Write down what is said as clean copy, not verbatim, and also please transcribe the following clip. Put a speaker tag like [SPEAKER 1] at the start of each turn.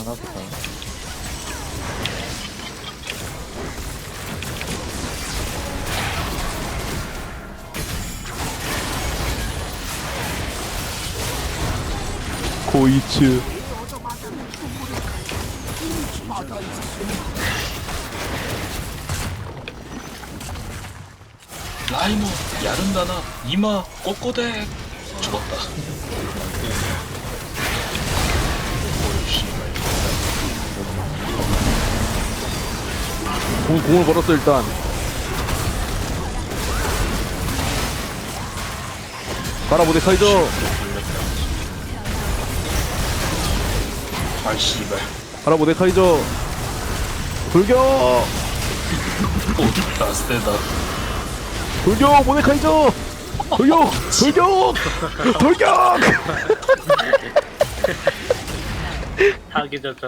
[SPEAKER 1] 하나부터.
[SPEAKER 2] 고이츠.
[SPEAKER 3] 라이모 야른다나 이마 꼬꼬대 죽었다.
[SPEAKER 2] 공을 걸었어 일단. 가라 모데카이저.
[SPEAKER 3] 아 씨발.
[SPEAKER 2] 가라 모데카이저. 돌격.
[SPEAKER 3] 오 라스테다.
[SPEAKER 2] 돌격 모데카이저. 돌격. 돌격. 돌격.
[SPEAKER 4] 하기 전